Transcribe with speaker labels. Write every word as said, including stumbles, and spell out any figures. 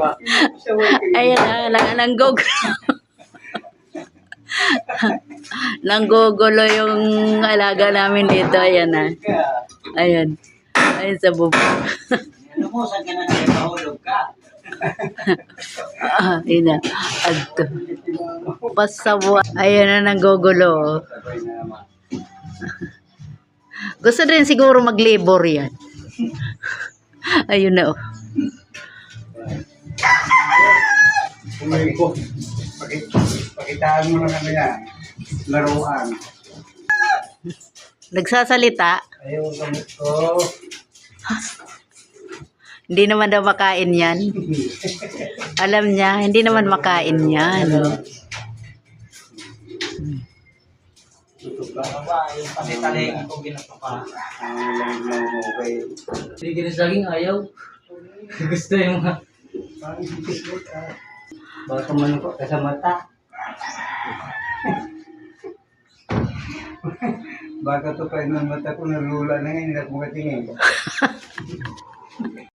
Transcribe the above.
Speaker 1: Ayan na, na nanggugulo. Nanggugulo yung alaga namin dito. Ayan na. Ayan. Ayan sa bubong.
Speaker 2: Ano mo, saan ka na nagpahulog ka?
Speaker 1: Ah, ayan na. Adto. Pasawa. Ayan na, nanggugulo. Gusto din siguro mag-labor yan. Ayun na, oh.
Speaker 3: Kumain ko. Pakitaan mo na kami yan. Laruan.
Speaker 1: Nagsasalita.
Speaker 3: Ayaw gamot ko.
Speaker 1: Hindi naman daw makain yan. Alam niya, hindi naman makain yan.
Speaker 2: Yung pati-taling ko ginatupa.
Speaker 3: Ang lang mo kay...
Speaker 2: Hindi ginisaging ayaw. Gusto yung mga...
Speaker 3: Baka man ko sa mata. Baka to pa ng mata ko nalula na ngayon, hindi ako makatingin.